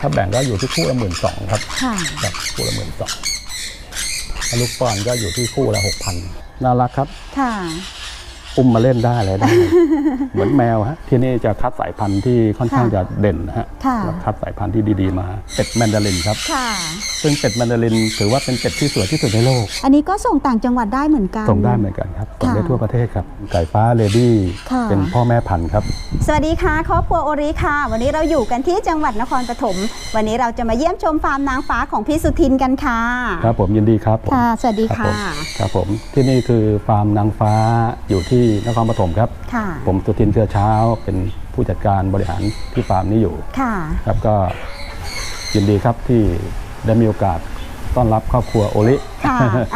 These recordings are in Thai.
ถ้าแบ่งก็อยู่ที่คู่ละ12,000ครับค่ะแบบคู่ละ12,000ลูกป้อนก็อยู่ที่คู่ละ6,000น่ารักครับค่ะอุ้มมาเล่นได้เลยได้ เหมือนแมวฮะที่นี่จะคัดสายพันธุ์ที่ค่อนข้างจะเด่นนะฮะแล้วคัดสายพันธุ์ที่ดีๆมาเป็ดแมนดารินครับซึ่งเป็ดแมนดารินถือว่าเป็นเป็ดที่สวยที่สุดในโลกอันนี้ก็ส่งต่างจังหวัดได้เหมือนกันส่งได้เหมือนกันครับส่งได้ทั่วประเทศครับไก่ฟ้าเลดี้เป็นพ่อแม่พันธุ์ครับสวัสดีค่ะครอบครัวโอริค่ะวันนี้เราอยู่กันที่จังหวัดนครปฐมวันนี้เราจะมาเยี่ยมชมฟาร์มนางฟ้าของพี่สุทินกันค่ะครับผมยินดีครับค่ะสวัสดีค่ะครับผมที่นี่คือฟาร์มนางฟ้าอยู่ที่นครปฐมครับผมสุทินเชื้อเช้าเป็นผู้จัดการบริหารที่ฟาร์มนี้อยู่ครับก็ยินดีครับที่ได้มีโอกาสต้อนรับครอบครัวโอริค่ะ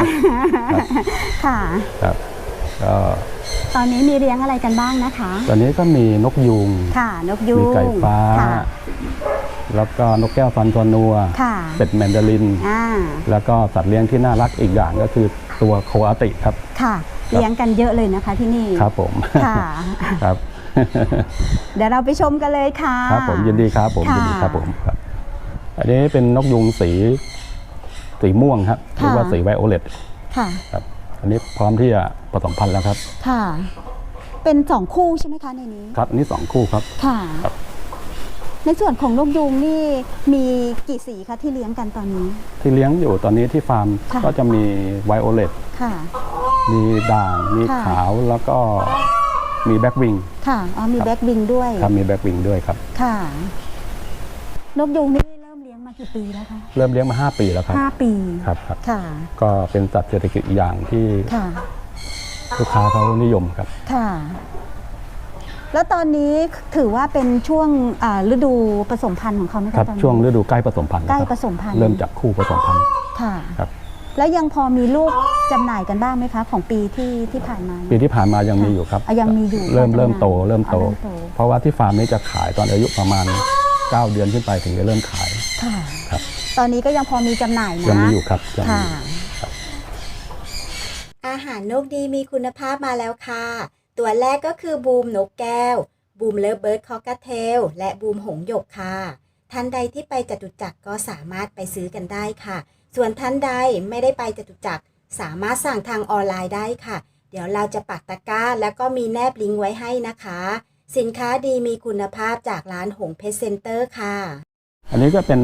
ครับก็ตอนนี้มีเลี้ยงอะไรกันบ้างนะคะตอนนี้ก็มีนกยูงค่ะนกยูงมีไก่ฟ้าแล้วก็นกแก้วฟันตัวนัวเป็ดแมนดารินแล้วก็สัตว์เลี้ยงที่น่ารักอีกอย่างก็คือตัวโคอาติครับค่ะเลี้ยงกันเยอะเลยนะคะที่นี่ครับผมค่ะครับเดี๋ยวเราไปชมกันเลยค่ะครับผมยินดีครับผมยินดีครับผมครับอันนี้เป็นนกยูงสีม่วงครับหรือว่าสีไวโอเลตค่ะครับอันนี้พร้อมที่จะผสมพันธุ์แล้วครับค่ะเป็น2คู่ใช่ไหมคะในนี้ครับนี่2คู่ครับค่ะในส่วนของนกยูงนี่มีกี่สีคะที่เลี้ยงกันตอนนี้ที่เลี้ยงอยู่ตอนนี้ที่ฟาร์มก็จะมีไวโอเลตมีด่างมีขาวแล้วก็มีแบ็กวิงค่ะมีแบ็กวิงด้วยครับมีแบ็กวิงด้วยครับค่ะนกยูงนี่เริ่มเลี้ยงมากี่ปีแล้วคะเริ่มเลี้ยงมา5 ปีแล้วครับ 5 ปีครับค่ะก็เป็นสัตว์เศรษฐกิจอีกอย่างที่ลูกค้าเขานิยมครับค่ะแล้วตอนนี้ถือว่าเป็นช่วงฤดูผสมพันธุ์ของเขาไหมคะครับช่วงฤดูใกล้ผสมพันธุ์ใกล้ผสมพันธุ์เริ่มจากคู่ผสมพันธุ์ค่ะครับแล้วยังพอมีลูกจำหน่ายกันบ้างไหมคะของปีที่ผ่านมาปีที่ผ่านมายังมีอยู่ครับยังมีอยู่เริ่มโตเพราะว่าที่ฟาร์มนี้จะขายตอนอายุประมาณ9 เดือนขึ้นไปถึงจะเริ่มขายค่ะครับตอนนี้ก็ยังพอมีจำหน่ายนะยังมีอยู่ครับค่ะอาหารนกดีมีคุณภาพมาแล้วค่ะตัวแรกก็คือบูมนกแก้วบูมเลิฟเบิร์ดคอกเทลและบูมหงส์หยกค่ะท่านใดที่ไปจตุจักรก็สามารถไปซื้อกันได้ค่ะส่วนท่านใดไม่ได้ไปจตุจักรสามารถสั่งทางออนไลน์ได้ค่ะเดี๋ยวเราจะปักตะกร้าแล้วก็มีแนบลิงก์ไว้ให้นะคะสินค้าดีมีคุณภาพจากร้านหงเพชรเซ็นเตอร์ค่ะอันนี้ก็เป็น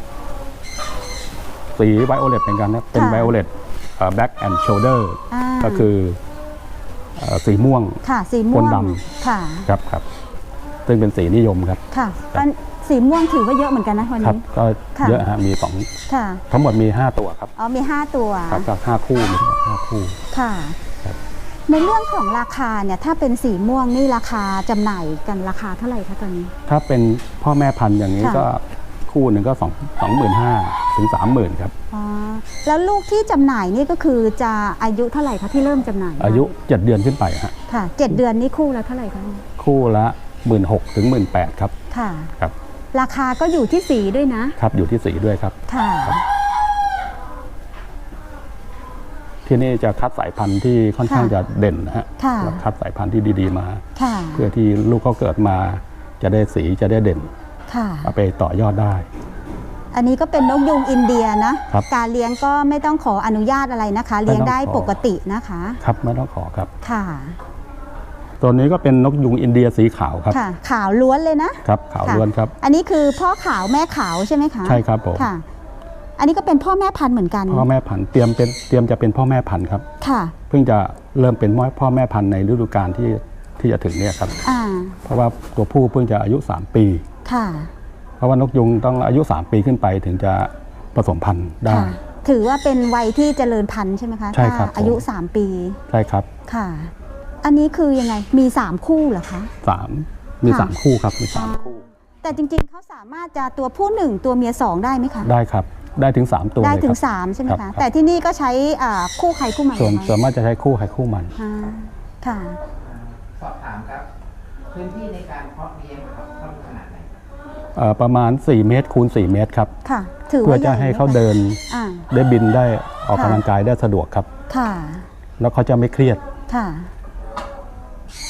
สีไวโอเลตเหมือนกันนะเป็นไวโอเลตแบ็กแอนด์โชเดอร์ก็คือสีม่วงสีม่วงดำครับซึ่งเป็นสีนิยมครับค่ะสีม่วงถือว่าเยอะเหมือนกันนะวันนี้ก็เยอะฮะมี2ทั้งหมดมี5 ตัวครับมี5 ตัวครับจาก5 คู่มี5 คู่ค่ะในเรื่องของราคาเนี่ยถ้าเป็นสีม่วงนี่ราคาจำหน่ายกันราคาเท่าไหร่คะตอนนี้ถ้าเป็นพ่อแม่พันธุ์อย่างนี้ก็คู่หนึ่งก็25,000 ถึง 30,000ครับแล้วลูกที่จำหน่ายนี่ก็คือจะอายุเท่าไหร่คะที่เริ่มจำหน่ายอายุ7 เดือนขึ้นไปฮะค่ะ7 เดือนนี่คู่ละเท่าไหร่คะคู่ละ16,000 ถึง 18,000ครับค่ะครับราคาก็อยู่ที่สีด้วยนะครับอยู่ที่สีด้วยครับค่ะที่นี่จะคัดสายพันธุ์ที่ค่อนข้างจะเด่นนะฮะคัดสายพันธุ์ที่ดีๆมาเพื่อที่ลูกเขาเกิดมาจะได้สีจะได้เด่นเอาไปต่อยอดได้อันนี้ก็เป็นนกยูงอินเดียนะการเลี้ยงก็ไม่ต้องขออนุญาตอะไรนะคะเลี้ยงได้ปกตินะคะครับไม่ต้องขอครับค่ะตัวนี้ก็เป็นนกยูงอินเดียสีขาวครับค่ะขาวล้วนเลยนะครับขาวล้วนครับอันนี้คือพ่อขาวแม่ขาวใช่ไหมคะใช่ครับผมค่ะอันนี้ก็เป็นพ่อแม่พันธุ์เหมือนกันพ่อแม่พันธุ์เตรียมจะเป็นพ่อแม่พันธุ์ครับค่ะเพิ่งจะเริ่มเป็นพ่อแม่พันธุ์ในฤดูกาลที่จะถึงเนี่ยครับเพราะว่าตัวผู้เพิ่งจะอายุ3 ปีค่ะเพราะว่านกยูงต้องอายุ3 ปีขึ้นไปถึงจะผสมพันธุ์ได้ถือว่าเป็นวัยที่เจริญพันธุ์ใช่ไหมคะใช่ครับอายุ3 ปีใช่ครับค่ะอันนี้คือยังไงมี3 คู่เหรอคะมี3 คู่ครับมี3 คู่แต่จริงๆเขาสามารถจะตัวผู้1ตัวเมีย2ได้ไหมคะได้ครับได้ถึง3 ตัวได้ถึง3ใช่ไหมคะแต่ที่นี่ก็ใช้คู่ใครคู่มันส่วนมากจะใช้คู่ใครคู่มันค่ะสอบถามครับพื้นที่ในการเพาะเลี้ยงครับต้องขนาดไหนประมาณ4 เมตรคูณ4 เมตรครับค่ะเพื่อจะให้เขาเดินได้บินได้ออกกำลังกายได้สะดวกครับค่ะแล้วเขาจะไม่เครียดค่ะ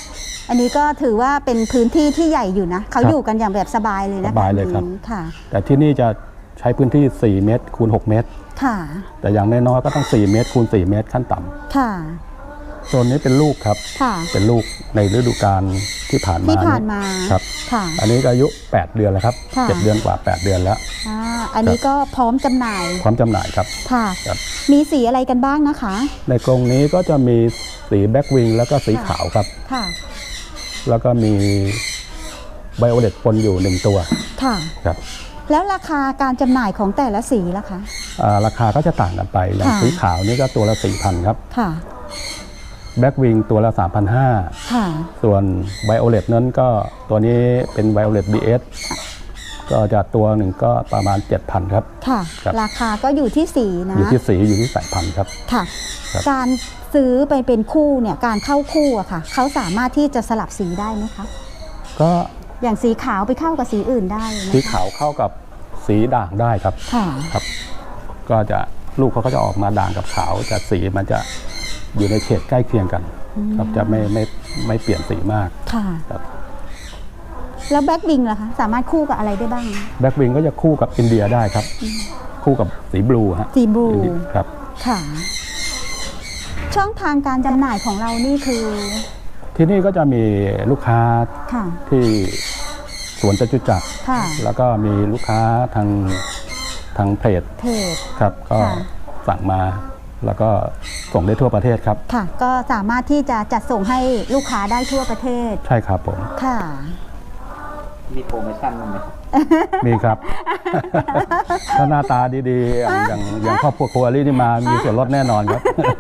อันนี้ก็ถือว่าเป็นพื้นที่ที่ใหญ่อยู่นะเขาอยู่กันอย่างแบบสบายเลยนะคะสบายเลยครับค่ะแต่ที่นี่จะใช้พื้นที่4 เมตรคูณ 6 เมตรค่ะแต่อย่างน้อยๆก็ต้อง4 เมตรคูณ 4 เมตรขั้นต่ำค่ะโซนนี้เป็นลูกครับค่ะเป็นลูกในฤดูกาลที่ผ่านมาที่ผ่านมาครับค่ะอันนี้ก็อายุ8 เดือนแล้วครับค่ะ 7 เดือนกว่า 8 เดือนแล้วอันนี้ก็พร้อมจำหน่ายความจำหน่ายครับค่ะครับมีสีอะไรกันบ้างนะคะในกรงนี้ก็จะมีสีแบ็กวิงแล้วก็สีขาวครับค่ะแล้วก็มีไบโอเลตปนอยู่1ตัวค่ะครับแล้วราคาการจำหน่ายของแต่ละสีล่ะคะราคาก็จะต่างกันไปอย่างค่ะสีขาวนี่ก็ตัวละ 4,000 ครับค่ะแบ็กวิงตัวละค่ะ 3,500 ส่วนไบโอเลตนั้นก็ตัวนี้เป็นไบโอเลต BS ก็จะตัวหนึ่งก็ประมาณ 7,000 ครับค่ะครับราคาก็อยู่ที่สีนะอยู่ที่สีอยู่ที่สายพันธุ์ครับค่ะครับการซื้อไปเป็นคู่เนี่ย การเข้าคู่อะค่ะ เขาสามารถที่จะสลับสีได้ไหมคะก็อย่างสีขาวไปเข้ากับสีอื่นได้ไหมสีคะขาวเข้ากับสีด่างได้ครับค่ะครับ ก็จะลูกเขาก็จะออกมาด่างกับขาวแต่สีมันจะอยู่ในเฉดใกล้เคียงกัน ครับจะไม่เปลี่ยนสีมากค่ะครับแล้วแบ็กวิงล่ะคะ สามารถคู่กับอะไรได้บ้างแบ็กวิงก็จะคู่กับอินเดียได้ครับ คู่กับสีบลูฮะสีบลูครับค่ะ ช่องทางการจำหน่ายของเรานี่คือที่นี่ก็จะมีลูกค้าค่ะที่สวนจตุจักรค่ะแล้วก็มีลูกค้าทางเพจเพจครับก็ค่ะสั่งมาแล้วก็ส่งได้ทั่วประเทศครับค่ะ ก็สามารถที่จะจัดส่งให้ลูกค้าได้ทั่วประเทศใช่ครับผมค่ะมีโปรโมชั่นบ้างไหมครับมีครับ ถ้าหน้าตาดีๆ อย่างครอบครัวครัวรี่นี่มามีส่วนลดแน่นอนครับ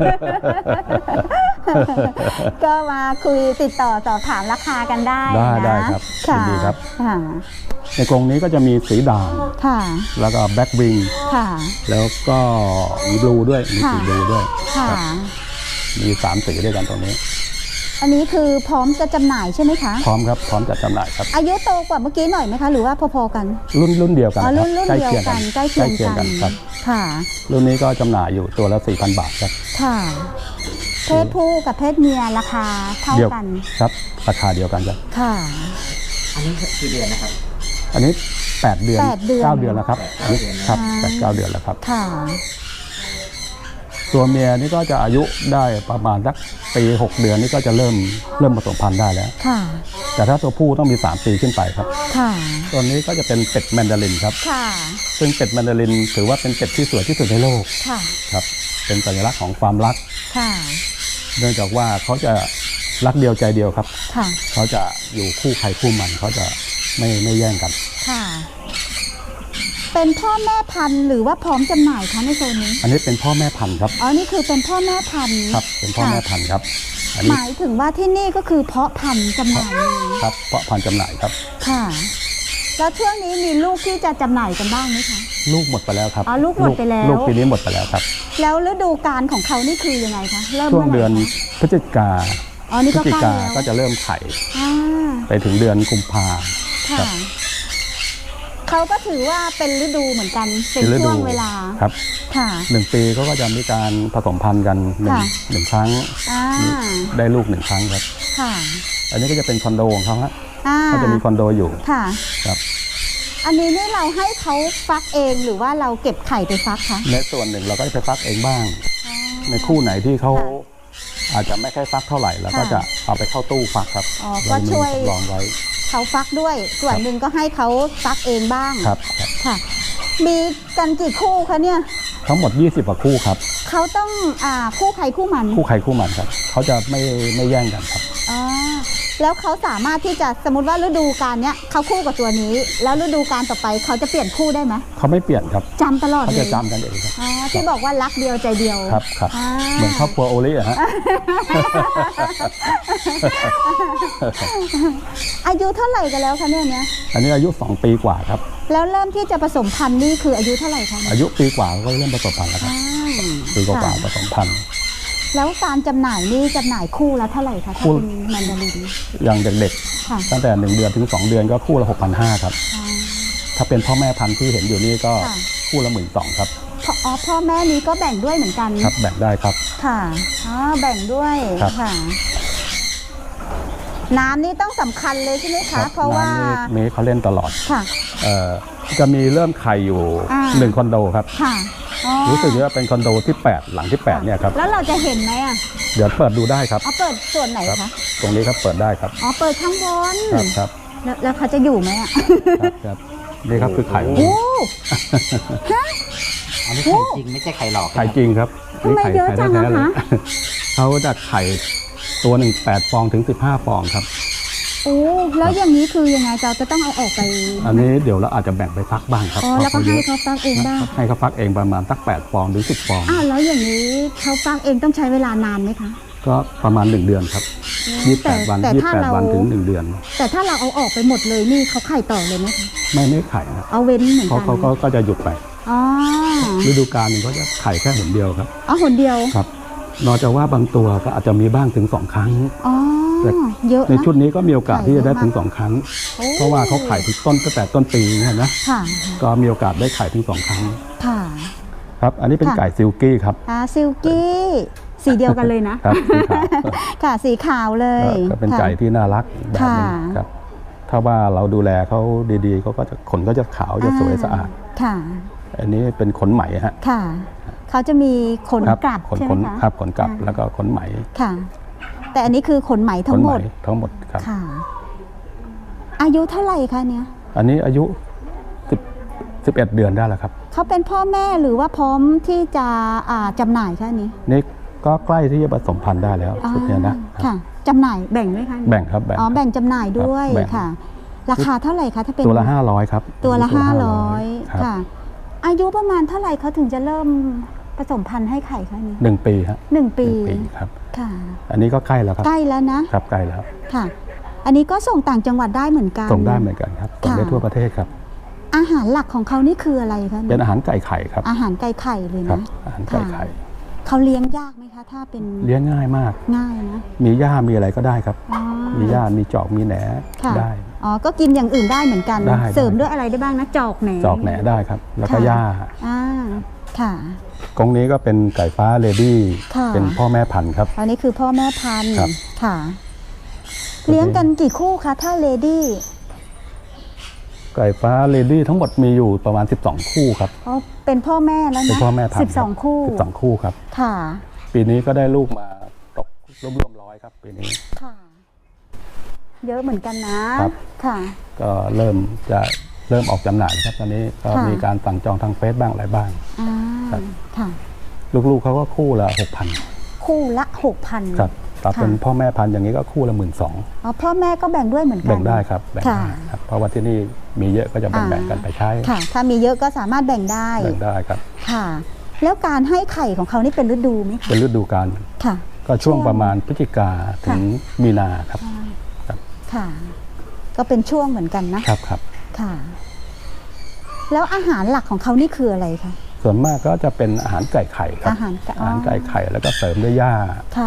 ก็มาคุยติดต่อสอบถามราคากันได้ได้นะครับยินดีครับค่ะในกรงนี้ก็จะมีสีด่างค่ะแล้วก็แบ็กวิงค่ะแล้วก็มีบลูด้วยมีสีค่ะบลูด้วยค่ะครับมี3สีด้วยกันตรงนี้อันนี้คือพร้อมจะจำหน่ายใช่ไหมคะพร้อมครับพร้อมจัดจำหน่ายครับอายุโตกว่าเมื่อกี้หน่อยไหมคะ หรือว่าพอๆกันรุ่นเดียวกันอ๋อครับรุ่นใกล้เดียวเคียงกักัน นใกล้เคียงกันครับค่ะรุ่นนี้ก็จำหน่ายอยู่ตัวละ 4,000 บาทครับค่ะ เพศผู้กับเพศเมียราคาเท่าเดียวกันครับราคาเดียวกันครับค่ะอันนี้กี่เดือนนะครับอันนี้8 เดือน 8 เดือน 9 เดือนแล้วครับอันนี้ครับ 8-9 เดือนแล้วครับค่ะตัวเมียนี่ก็จะอายุได้ประมาณสักปี6 เดือนนี่ก็จะเริ่มผสมพันธุ์ได้แล้วค่ะแต่ถ้าตัวผู้ต้องมี3 ปีขึ้นไปครับค่ะตัวนี้ก็จะเป็นเป็ดแมนดารินครับค่ะซึ่งเป็ดแมนดารินถือว่าเป็นเป็ดที่สวยที่สุดในโลกค่ะครับเป็นสัญลักษณ์ของความรักค่ะเนื่องจากว่าเขาจะรักเดียวใจเดียวครับค่ะเขาจะอยู่คู่ใครคู่มันเขาจะไม่แย่งกันค่ะ เป็นพ่อแม่พันธุ์หรือว่าพร้อมจำหน่ายคะในโซนนี้อันนี้เป็นพ่อแม่พันธุ์ครับอ๋อ นี่คือเป็นพ่อแม่พันธุ์ครับเป็นพ่อแม่พันธุ์ครับอันหนี้มายถึงว่าที่นี่ก็คือเพาะพันธุ์จำหน่ายเลยครับเพาะพันธุ์จำหน่ายครับค่ะ แล้วช่วงนี้มีลูกที่จะจำหน่ายกันบ้างไหมคะลูกหมดไปแล้วครับอ๋อลูกหมดไปแล้วลูกปีนี้หมดไปแล้วครับแล้วฤดูกาลของเขานี่คือยังไงคะ เริ่มช่วงมื่ไหร่เดือนคะพฤศจิกาอ๋อ นี่พฤก็ศจิใกล้กาแล้วก็จะเริ่มไข่อ่าไปถึงเดือนกุมภาค่ะครับเขาก็ถือว่าเป็นฤดูเหมือนกัน เป็นฤช่ดูวงเวลาครับค่ะ 1 ปีเขาก็จะมีการผสมพันธุ์กันหนึ่งค่ะหนึ่งครั้งอ่าได้ลูก1 ครั้งครับค่ะอันนี้ก็จะเป็นคอนโดของเขาฮะอ่าเขาจะมีคอนโดอยู่ค่ะครับอันนี้นี่เราให้เขาฟักเองหรือว่าเราเก็บไข่ไปฟักคะในส่วนหนึ่งเราก็จะไปฟักเองบ้างอ๋อในคู่ไหนที่เขาค่ะอาจจะไม่ค่อยฟักเท่าไหร่เราก็ค่ะจะเอาไปเข้าตู้ฟักครับอ๋อก็ช่วยเรามีสำรองไว้เขาฟักด้วย ส่วนหนึ่งก็ให้เขาฟักเองบ้างครับครับค่ะ มีกันกี่คู่คะเนี่ยทั้งหมด20 กว่าคู่ครับเขาต้องคู่ใครคู่มันคู่ใครคู่มันครับเขาจะไม่แย่งกันครับอ๋อแล้วเขาสามารถที่จะสมมติว่าฤดูกาลเนี้ยเขาคู่กับตัวนี้ แล้วฤดูกาลต่อไปเขาจะเปลี่ยนคู่ได้ไหมเขาไม่เปลี่ยนครับจำตลอดเขาเลจะยจำกันเองครับอ๋อที่บอกว่ารักเดียวใจเดียวครับครับอ่าเหมือนครอบครัวโอลิอะฮะอายุเท่าไหร่กันแล้วคะเนี่ยอันนี้อายุ2 ปีกว่าครับแล้วเริ่มที่จะผสมพันธุ์นี่คืออายุเท่าไหร่คะอายุปีกว่าก็เริ่มผสมพันธุ์แล้วครับอ่าปีกว่าค่ะผสมพันธุ์แล้วการจำหน่ายนี่จำหน่ายคู่ละเท่าไหร่คะคู่ถ้าเป็นแมนดารินอย่างเด็กค่ะๆตั้งแต่1 เดือนถึง 2 เดือนก็คู่ละ 6,500 ครับอ่าถ้าเป็นพ่อแม่พันธุ์ที่เห็นอยู่นี่ก็ค่ะคู่ละ 12,000 ครับพ่อแม่นี้ก็แบ่งด้วยเหมือนกันครับแบ่งได้ครับค่ะอ๋อแบ่งด้วยครับค่ะน้ำนี่ต้องสำคัญเลยใช่ไหมครัคะบเพราะว่าน้ำนี่เขาเล่นตลอดค่ะจะมีเริ่มไข่อยู่ 1 คอนโดครับค่ะอ๋อรู้สึกว่าเป็นคอนโดที่ 8 หลังที่ 8 เนี่ยครับแล้วเราจะเห็นไหมอ่ะเดี๋ยวเปิดดูได้ครับอ๋อเปิดส่วนไหนครับคะตรงนี้ครับเปิดได้ครับอ๋อเปิดข้างบนครับครับแล้วเขาจะอยู่ไหมอ่ะครับนี่ครับคือไข่โอ้อันนี้ไข่จริงไม่ใช่ไข่หลอกไข่จริงครับทำไมเยอะจังไข่อะแท้ๆเลยคะเขาจะไข่ตัวหนึ่ง8 ฟองถึง 15 ฟองครับโอ้แล้วอย่างนี้คือยังไงเราจะต้องเอาออกไปอันนี้เดี๋ยวเราอาจจะแบ่งไปฟักบ้างครับอ๋อแล้วก็ให้เขาฟักเองได้ให้เขาฟักเองประมาณสัก8 ฟองหรือ 10 ฟองอ้าวแล้วอย่างนี้เขาฟักเองต้องใช้เวลานานไหมคะก็ประมาณ 1 เดือนครับ 28 วันแต่ถ้าเรา 28 วันถึง 1 เดือนแต่ถ้าเราเอาออกไปหมดเลยนี่เขาไข่ต่อเลยไหมคะไม่ไข่นะเอาเว้นเหมือนเขากันก็จะหยุดไปอ๋อฤดูกาลหนึงเขาจะไข่แค่หนเดียวครับอ๋อหนเดียวครับนอกจากว่าบางตัวก็อาจจะมีบ้างถึง 2 ครั้งอ๋อแต่เยอะในนะชุดนี้ก็มีโอกาสที่จะได้ถึงไข่เยอะมาก 2 ครั้งโอ้เพราะว่าเขาไข่ถึงตั้งแต่ต้นปีเนี่ยนะค่ะก็มีโอกาสได้ไข่ถึง 2 ครั้งค่ะครับอันนี้เป็นค่ะไก่ซิลกี้ครับซิลกี้สีเดียวกันเลยนะครับสีขาวค่ะสีขาวเลยก็เป็นไก่ที่น่ารักแบบหนึงค่ะครับถ้าว่าเราดูแลเขาดีๆเขาก็จะขนก็จะขาวจะสวยสะอาดค่ะอันนี้เป็นขนไหมฮะค่ะ เขาจะมีขนครับกลับขนใช่ขไหมนคะครับขนกลับอ่าแล้วก็ขนไหมค่ะ แต่อันนี้คือขนไหมทั้งหมดขนทั้งหมดครับค่ะ อายุเท่าไหร่คะเนี่ยอันนี้อายุ11 เดือนได้แล้วครับเขาเป็นพ่อแม่หรือว่าพร้อมที่จะจำหน่ายคะอันนี้นี่ก็ใกล้ที่จะผสมพันธุ์ได้แล้วชุดเนี้ยนะค่ะจำหน่ายแบ่งไหมคะแบ่งครับแบ่งอ๋อแบ่งจำหน่ายด้วยครับแบ่งค่ะ ราคาเท่าไหร่คะถ้าเป็นตัวละ500ครับตัวละครับ 500ค่ะ อายุประมาณเท่าไหร่เขาถึงจะเริ่มผสมพันธุ์ให้ไข่คะนี้ 1 ปีครับ 1 ปีครับค่ะอันนี้ก็ใกล้แล้วครับใกล้แล้วนะครับใกล้แล้วค่ะ อันนี้ก็ส่งต่างจังหวัดได้เหมือนกันส่งได้เหมือนกันครับส่งได้ค่ะทั่วประเทศครับอาหารหลักของเขานี่คืออะไรคะเป็นอาหารไก่ไข่ครับอาหารไก่ไข่เลยครับนะอาหารไก่ไข่เขาเลี้ยงยากไหมคะถ้าเป็นเลี้ยงง่ายมากง่ายนะมีหญ้ามีอะไรก็ได้ครับอ๋อมีหญ้ามีจอกมีแหนค่ะได้อ๋อก็กินอย่างอื่นได้เหมือนกันได้เสริมด้วยอะไรได้บ้างนะจอกแหนจอกแหนได้ครับ แล้วก็ค่ะหญ้าอ่าค่ะกรงนี้ก็เป็นไก่ฟ้าเลดี้ค่ะเป็นพ่อแม่พันธุ์ครับอันนี้คือพ่อแม่พันธุ์ครับค่ะ เลี้ยงกันกี่คู่คะถ้าเลดี้ไก่ฟ้าเลดี้ทั้งหมดมีอยู่ประมาณ12 คู่ครับอ๋อเป็นพ่อแม่แล้วนะเป็นพ่อแม่พันธุ์ 12 คู่ 12 คู่ครับค่ะปีนี้ก็ได้ลูกมาตกร่วม100ครับปีนี้ค่ะ เยอะเหมือนกันนะครับ ค่ะก็เริ่มออกจำหน่ายครับตอนนี้ก็ค่ะมีการสั่งจองทางเฟซบ้างอะไรบ้างอ่าครับค่ะลูกๆเขาก็คู่ละ 6,000 คู่ละ 6,000 ครับถ้าเป็นพ่อแม่พันธุ์อย่างนี้ก็คู่ละ 12,000 อ๋อพ่อแม่ก็แบ่งด้วยเหมือนกันแบ่งได้ครับแบ่งค่ะได้ครับเพราะว่าที่นี่มีเยอะก็จะแบ่งๆกันไปใช้ค่ะ ถ้ามีเยอะก็สามารถแบ่งได้แบ่งได้ครับค่ะ แล้วการให้ไข่ของเขานี่เป็นฤดูไหมคะเป็นฤดูกาลค่ะก็ช่วงประมาณพฤศจิกาถึงมีนาครับค่ะ ก็เป็นช่วงเหมือนกันนะครับครับค่ะ แล้วอาหารหลักของเขานี่คืออะไรคะส่วนมากก็จะเป็นอาหารไก่ไข่ครับอาหารไก่อาหารไก่ไข่แล้วก็เสริมด้วยหญ้าค่ะ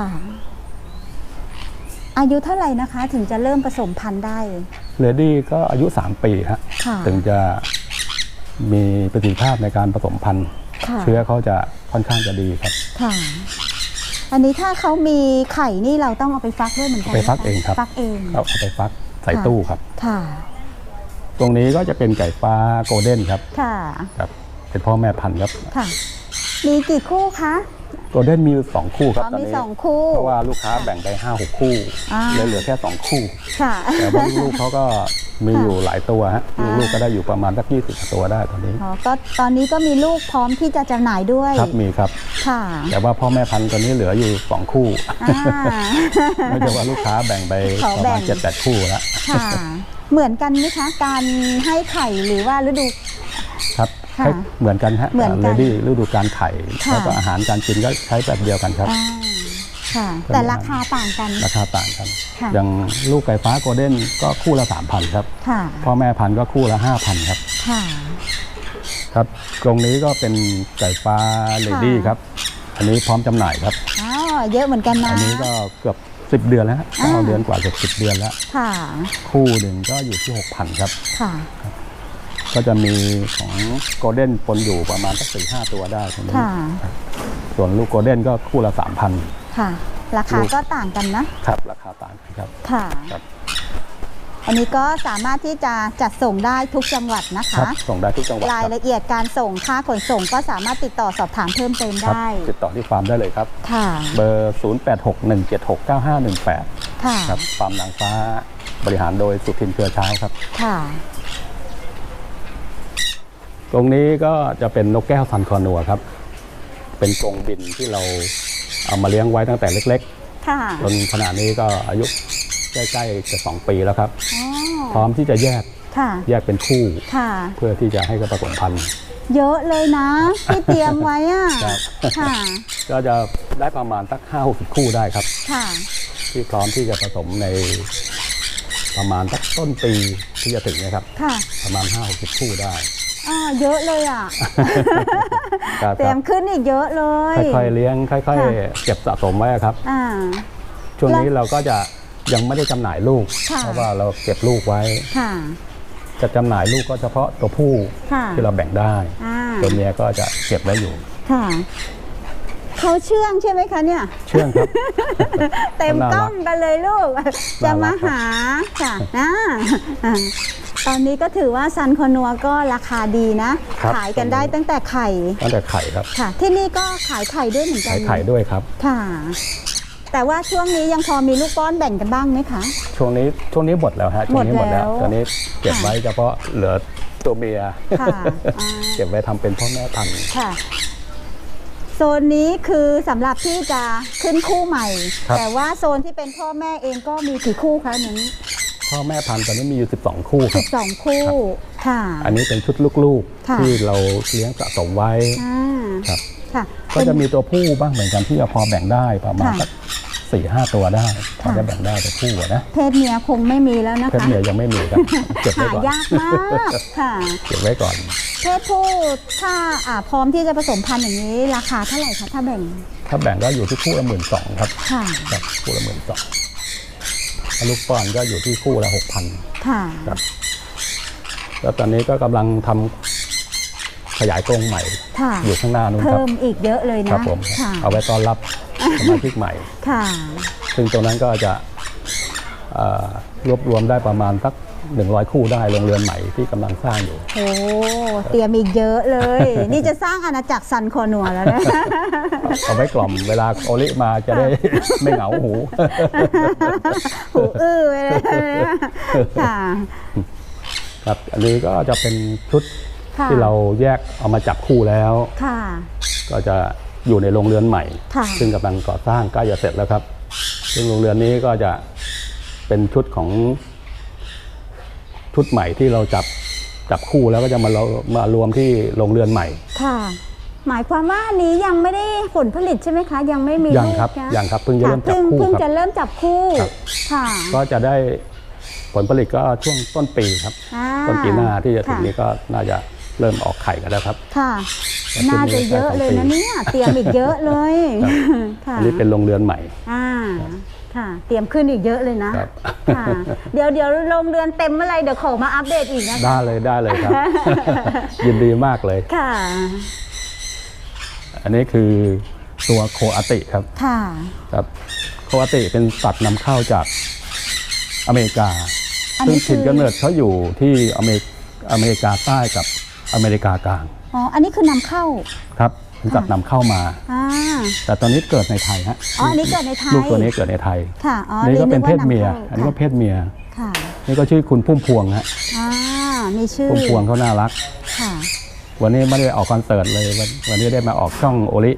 อายุเท่าไหร่นะคะ ถึงจะเริ่มผสมพันธุ์ได้เลดี้ก็อายุ 3 ปีฮะค่ะถึงจะมีประสิทธิภาพในการผสมพันธุ์ค่ะเชื้อเขาจะค่อนข้างจะดีครับค่ะ อันนี้ถ้าเขามีไข่นี่เราต้องเอาไปฟักด้วยเหมือนกันไปฟักนะคะเองครับฟักเองเอาไปฟักใส่ตู้ครับค่ะตรงนี้ก็จะเป็นไก่ฟ้าโกลเด้นครับค่ะครับเป็นพ่อแม่พันธุ์ครับค่ะ มีกี่คู่คะโกลเด้นมีอยู่2 คู่ครับอ๋อตอนมีนี้ 2 คู่เพราะว่าลูกค้าแบ่งไป 5-6 คู่อ่าเลยเหลือแค่ 2 คู่ค่ะแต่ว่าลูกๆเขาก็มีอยู่หลายตัวฮะอ่าลูกๆก็ได้อยู่ประมาณสัก20 ตัวได้ตอนนี้อ๋อก็ตอนนี้ก็มีลูกพร้อมที่จะจำหน่ายด้วยครับมีครับค่ะแต่ว่าพ่อแม่พันธุ์ตอนนี้เหลืออยู่2 คู่อ่าไม่ใช่ว่าลูกค้าแบ่งไปขอประแบ่มาณง 7-8 คู่แล้วค่ะ เหมือนกันไหมคะ การให้ไข่หรือว่าฤดูครับค่ะให้เหมือนกันฮะเหมือนกันเลดี้ฤดูการไข่ค่ะแล้วก็อาหารการกินก็ใช้แบบเดียวกันครับอ่าค่ะ แต่ราคาต่างกันราคาต่างกันค่ะอย่างลูกไก่ฟ้าโกลเด้นก็คู่ละ 3,000 ครับค่ะพ่อแม่พันธุ์ก็คู่ละ 5,000 ครับค่ะครับตรงนี้ก็เป็นไก่ฟ้าเลดี้ครับ อันนี้พร้อมจำหน่ายครับอ๋อ เยอะเหมือนกันนะอันนี้ก็เกือบ10 เดือนแล้วฮะอ่า 9 เดือนกว่าเกือบ10 เดือนแล้วค่ะคู่หนึ่งก็อยู่ที่ 6,000 ครับค่ะก็จะมีของโกลเด้นปนอยู่ประมาณสัก4-5 ตัวได้ตรงนี้ค่ะส่วนลูกโกลเด้นก็คู่ละ 3,000 ค่ะราคาก็ต่างกันนะครับราคาต่างกันครับค่ะครับอันนี้ก็สามารถที่จะจัดส่งได้ทุกจังหวัดนะครัคะบส่งได้ทุกจังหวัดรายครับละเอียดการส่งค่าขนส่งก็สามารถติดต่อสอบถามเพิ่มเติมครับได้ติดต่อที่ฟาร์มได้เลยครับค่ะเบอร์ 0861769518 ค่ะครับฟาร์มนางฟ้าบริหารโดยสุทินเครือเช้าครับค่ะตรงนี้ก็จะเป็นนกแก้วซันคอนัวครับ เป็นกรงบินที่เราเอามาเลี้ยงไว้ตั้งแต่เล็กค่ะๆจนขณะนี้ก็อายุใกล้ๆจะ2 ปีแล้วครับอ๋อพร้อมที่จะแยกค่ะเป็นคู่ค่ะเพื่อที่จะให้กับผสมพันธุ์เยอะเลยนะที่เตรียมไว้อ่ะครับค่ะก็จะได้ประมาณสัก5-60 คู่ได้ครับค่ะที่พร้อมที่จะผสมในประมาณสักต้นปีที่จะถึงนะครับค่ะประมาณ5-60 คู่ได้อ๋อเยอะเลยอ่ะครับเตรียมขึ้นอีกเยอะเลยค่อยๆเลี้ยงค่อยค่ะๆเก็บสะสมไว้ครับอ่าช่วงนี้เราก็จะยังไม่ได้จำหน่ายลูกค่ะเพราะว่าเราเก็บลูกไว้ค่ะจะจำหน่ายลูกก็เฉพาะตัวผู้ค่ะที่เราแบ่งได้อ่าตัวเมียก็จะเก็บไว้อยู่ค่ะเขาเชื่องใช่ไหมคะเนี่ยเชื่องครับเต็มกล้องกันเลยลูก จะมาหาค่ะนะตอนนี้ก็ถือว่าซันคอนัวก็ราคาดีนะครับขายกันได้ตั้งแต่ไข่ตั้งแต่ไข่ครับค่ะ ที่นี่ก็ขายไข่ด้วยเหมือนกัขาน ยไข่ด้วยครับค่ะ แต่ว่าช่วงนี้ยังพอมีลูกป้อนแบ่งกันบ้างไหมคะช่วงนี้หมดแล้วฮะช่วงนี้หมดแล้วหมดแล้วตอนนี้เก็บไว้เฉพาะเหลือตัวเมียค่ะอ่าเก็บไว้ทำเป็นพ่อแม่พันธุ์ค่ะ โซนนี้คือสำหรับที่จะขึ้นคู่ใหม่ครับแต่ว่าโซนที่เป็นพ่อแม่เองก็มีกี่คู่คะนี้พ่อแม่พันธุ์ตอนนี้มีอยู่12 คู่ครับ 12 คู่ค่ะอันนี้เป็นชุดลูกค่ะๆที่เราเลี้ยงสะสมไว้อ่าครับค่ะก็จะมีตัวผู้บ้างเหมือนกันที่จะพอแบ่งได้ประมาณค่ะสัก4-5 ตัวได้พอค่ะจะแบ่งได้ตัวผู้อะนะเพศเมียคงไม่มีแล้วนะเพศคะเมียยังไม่มีครับเก็บไว้หาก่อนยากมากค่ะเก็บไว้ก่อนเพศผู้ถ้าพร้อมที่จะผสมพันธุ์อย่างนี้ราคาเท่าไหร่คะถ้าแบ่งถ้าแบ่งก็อยู่ที่คู่ละ12,000ครับค่ะครับคู่ละ12,000ถ้าลูกป้อนก็อยู่ที่คู่ละ6,000 ค่ะครับแล้วตอนนี้ก็กำลังทำขยายกรงใหม่ค่ะอยู่ข้างหน้านู้นคเพิ่รับมอีกเยอะเลยคนะรับผมค่ะเอาไว้ต้อนรับสมาชิกใหม่ค่ะซึ่งตรงนั้นก็จะรวบรวมได้ประมาณสัก100 คู่ได้โรงเรือนใหม่ที่กำลังสร้างอยู่โอ้เตรียมอีกเยอะเลย นี่จะสร้างอาณาจักรซันคอนัวแล้วนะเอาไว้กล่อมเวลาโอลิมาจะได้ ไม่เหงาหูหูอื้อไปเลยนะค่ะครับอันนี้ก็จะเป็นชุดค่ะที่เราแยกเอามาจับคู่แล้วค่ะก็จะอยู่ในโรงเรือนใหม่ค่ะซึ่งกำลังก่อสร้างใกล้จะเสร็จแล้วครับ ซึ่งโรงเรือนนี้ก็จะเป็นชุดของชุดใหม่ที่เราจับคู่แล้วก็จะมารวมที่โรงเรือนใหม่ค่ะ หมายความว่าอันนี้ยังไม่ได้ผลผลิตใช่ไหมคะ ยังไม่มียังครับลูกนะยังครับเพิ่งจะเริ่มจับคู่เพิ่งครับจะเริ่มจับคู่ครับค่ะก็จะได้ผลผลิตก็ช่วงต้นปีครับอ่าต้นปีหน้าที่จะถึงค่ะนี้ก็น่าจะเริ่มออกไข่กันแล้วครับค่ะแล้วน่าจะเยอะเลยนะเนี่ย เตรียมอีกเยอะเลย ค่ะอันนี้เป็นโรงเรือนใหม่ค่ะ เตรียมขึ้นอีกเยอะเลยนะครับ ค่ะ เดี๋ยวโรงเรือนเต็มเมื่อไหรเดี๋ยวขอมาอัปเดตอีกนะคะได้เลยครับ ยินดีมากเลยค่ะอันนี้คือตัวโคอาติครับค่ะครับโคอาติเป็นสัตว์นำเข้าจากอเมริกาอันซึ่งนี้คืถิ่นอกำเนิดเขาอยู่ที่อเมริกาใต้กับอเมริกากลางอ๋อ อันนี้คือนำเข้าครับเป็นสัตว์นำเข้ามาอ่าแต่ตอนนี้เกิดในไทยฮะอ๋อ อันนี้เกิดในไทยลูกตัวนี้เกิดในไทยค่ะ อ๋อนี่ก็เป็นเพศรียเมียว่านำข้าอันนี้ก็เพศเมียค่ะนี่ก็ชื่อคุณพุ่มพวงฮะอ่า มีชื่อพุ่มพวงเขาน่ารักค่ะวันนี้ไม่ได้ออกคอนเสิร์ตเลยวันนี้ได้มาออกช่องโอลิ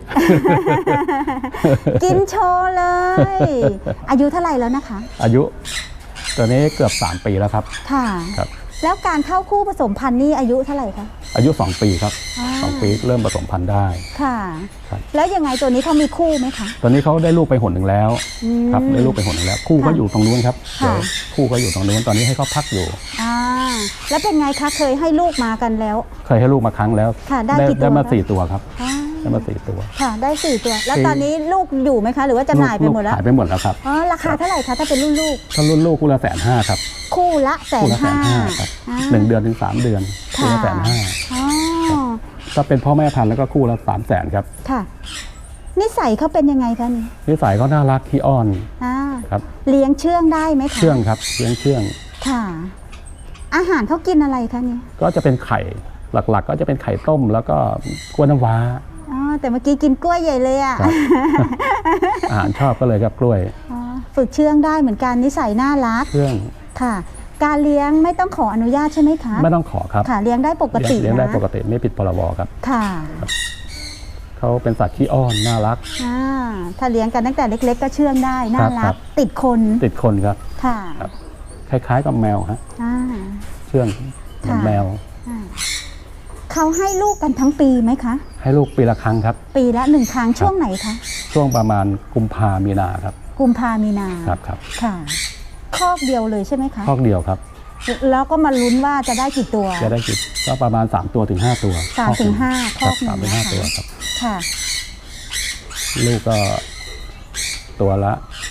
กินโชว์เลย อายุเท่าไหร่แล้วนะคะอายุตัวนี้เกือบ3 ปีแล้วครับค่ะครับแล้วการเข้าคู่ผสมพันธุ์นี่อายุเท่าไหร่คะอายุ2 ปีครับอ่า 2 ปีเริ่มผสมพันธุ์ได้ค่ะครับแล้วยังไงตัวนี้เขามีคู่ไหมคะตอนนี้เขาได้ลูกไปหนหนึ่งแล้วอืมครับได้ลูกไปหนหนึ่งแล้ว คู่เขาค่ะอยู่ตรงนู้นครับค่ะเดี๋ยวคู่เขาอยู่ตรงนู้นตอนนี้ให้เขาพักอยู่อ่า แล้วเป็นไงคะ เคยให้ลูกมากันแล้วเคยให้ลูกมาครั้งแล้วค่ะได้กี่ตัวได้มาคะ 4 ตัวครับอ่าได้มา4 ตัวค่ะ ได้4 ตัว แล้วสี่ตอนนี้ลูกอยู่ไหมคะ หรือว่าจำหน่ายไปหมดแล้วขายไปหมดแล้วครับอ๋อ ราคาเท่าไหร่คะ ถ้าเป็นรุ่นลูกถ้ารุ่นลูกคู่ละ150,000ครับคู่ละ150,000 คู่ละ150,000ครับอ่า 1 เดือนถึง3 เดือนคู่ละค่ะ 150,000 อ๋อถ้าเป็นพ่อแม่พันธุ์แล้วก็คู่ละ300,000ครับค่ะ นี่สัยเขาเป็นยังไงคะนี่นิสัยเขาน่ารักขี้อ้อน ครับเลี้ยงเชื่องได้ไหมคะเชื่องครับเลี้ยงเชื่องค่ะ อาหารเขากินอะไรคะนี่ก็จะเป็นไข่หลักๆ ก็จะเป็นไข่ต้มแล้วก็กล้วยน้ำว้าอ๋อแต่เมื่อกี้กินกล้วยใหญ่เลยอ่ะครับ อาหารชอบก็เลยครับกล้วยอ๋อฝึกเชื่องได้เหมือนกันนิสัยน่ารักเชื่องค่ะ การเลี้ยงไม่ต้องขออนุญาตใช่ไหมคะไม่ต้องขอครับค่ะเลี้ยงได้ปกติเลี้ยงได้นะปกติไม่ผิดพรบครับค่ะเขาเป็นสัตว์ขี้อ้อนน่ารักถ้าเลี้ยงกันตั้งแต่เล็ก ๆ ก็เชื่องได้น่าครัรักบติดคนติดคนครับค่ะครับ คล้ายๆกับแมวฮะอ่าเชื่องเหมือนค่ะแมวเขาให้ลูกกันทั้งปีไหมคะให้ลูกปีละครั้งครับปีละ1 ครั้งช่วงไหนคะช่วงประมาณกุมภามีนาครับกุมภามีนาครับค่ะคอกเดียวเลยใช่ไหมคะคอกเดียวครับแล้วก็มาลุ้นว่าจะได้กี่ตัวจะได้กี่ก็ประมาณ3ตัวถึง5ตัว 3 ถึง 5 คครัอบ กหนึ่ง 3ถึงนะ 5ตัวคะครับค่ะลูกก็ตัวละ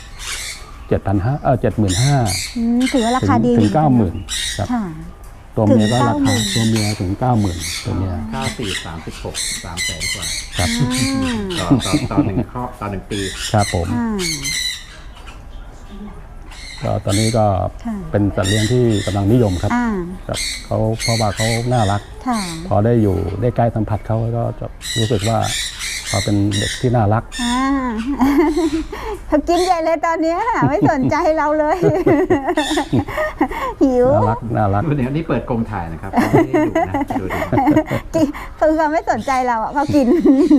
75,000 ถือว่าราคาดีถึงเหมือนกัน 90,000ครับค่ะตัวเมียก็ถึงราคา 90,000 ตัวเมียถึง 90,000ตัวเมีย 94 36 300,000 กว่าครับต่อหนึ่งครอบต่อ1 ปีครับผมอ่าก็ตอนนี้ก็ค่ะเป็นสัตว์เลี้ยงที่กำลังนิยมครับอ่าครับเขาเพราะว่าเขาน่ารักค่ะพอได้อยู่ได้ใกล้สัมผัสเขาก็จะรู้สึกว่าเขาเป็นเด็กที่น่ารักเขากินใหญ่เลยตอนเนี้ยไม่สนใจเราเลย หิวน่ารักเดี๋ยวนี้เปิดกรงถ่ายนะครับเขาไม่ได้ดูนะดูดิคือเขาไม่สนใจเราอ่ะเขากิน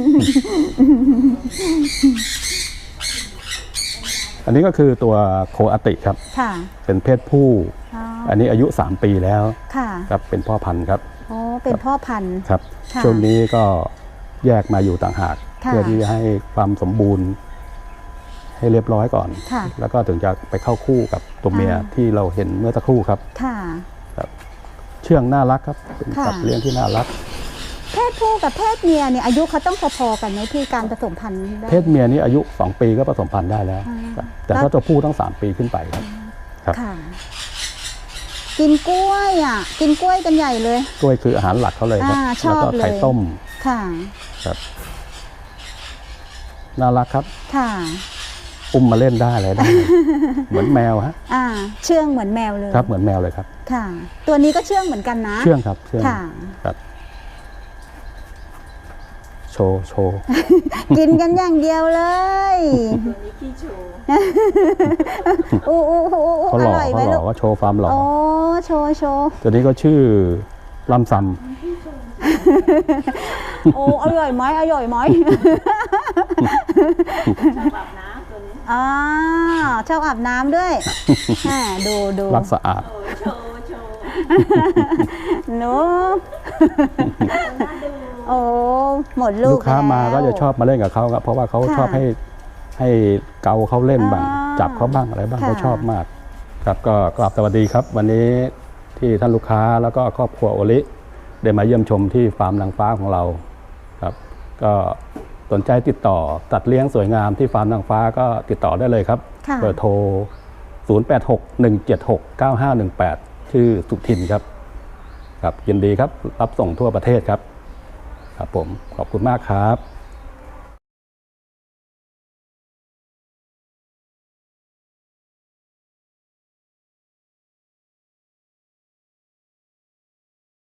อันนี้ก็คือตัวโคอาติครับค่ะเป็นเพศผู้อ๋ออันนี้อายุ3 ปีแล้วค่ะครับเป็นพ่อพันธุ์ครับโอ้เป็นพ่อพันธุ์ครับค่ะช่วงนี้ก็แยกมาอยู่ต่างหากค่ะเพื่อที่จะให้ความสมบูรณ์ ให้เรียบร้อยก่อนค่ะแล้วก็ถึงจะไปเข้าคู่กับตัวเมียอ่าที่เราเห็นเมื่อสักครู่ครับค่ะเชื่องน่ารักครับเป็นค่ะสัตว์เลี้ยงที่น่ารักเพศผู้กับเพศเมียเนี่ยอายุเขาต้องพอๆกันไหมที่การผสมพันธุ์ได้เพศเมียนี่อายุ2 ปีก็ผสมพันธุ์ได้แล้วอ่าครับแต่ถ้าตัวผู้ต้อง3 ปีขึ้นไปครับ ครับค่ะ กินกล้วยอ่ะ กินกล้วยกันใหญ่เลยกล้วยคืออาหารหลักเขาเลยครับชอบแล้วก็ไข่เลยต้มค่ะครับน่ารักครับค่ะอุ้มมาเล่นได้อะไรได้ เหมือนแมวฮะเชื่องเหมือนแมวเลยครับเหมือนแมวเลยครับค่ะ ตัวนี้ก็เชื่องเหมือนกันนะเชื่องครับเชื่องค่ะครับโชว์กินกันอย่างเดียวเลยตัวนี้ขี้โชว์อู้อร่อยไหมเขาหลูล่อก ว่าโชว์ความหล่อโอ้โชว์ตัวนี้ก็ชื่อลำซโอ้อร่อยไหมชอบอาบน้ำตัวนี้ชอบอาบน้ำด้วยดูำรักสะอาดหนูโอ้หมดลูลูกกค้ามาแล้วก็จะชอบมาเล่นกับเขาครับเพราะว่าเขาค่ะชอบให้เกาเขาเล่นบ้างอ๋อจับเขาบ้างอะไรบ้างค่ะเขาชอบมาก ครับก็กราบสวัสดีครับ วันนี้ที่ท่านลูกค้าแล้วก็ครอบครัวโอลิได้มาเยี่ยมชมที่ฟาร์มนางฟ้าของเราครับ ก็สนใจติดต่อตัดเลี้ยงสวยงามที่ฟาร์มนางฟ้าก็ติดต่อได้เลยครับค่ะเบอร์โทร 0861769518 ชื่อสุทินครับ ครับยินดีครับรับส่งทั่วประเทศครับ ครับผมขอบคุณมากครับ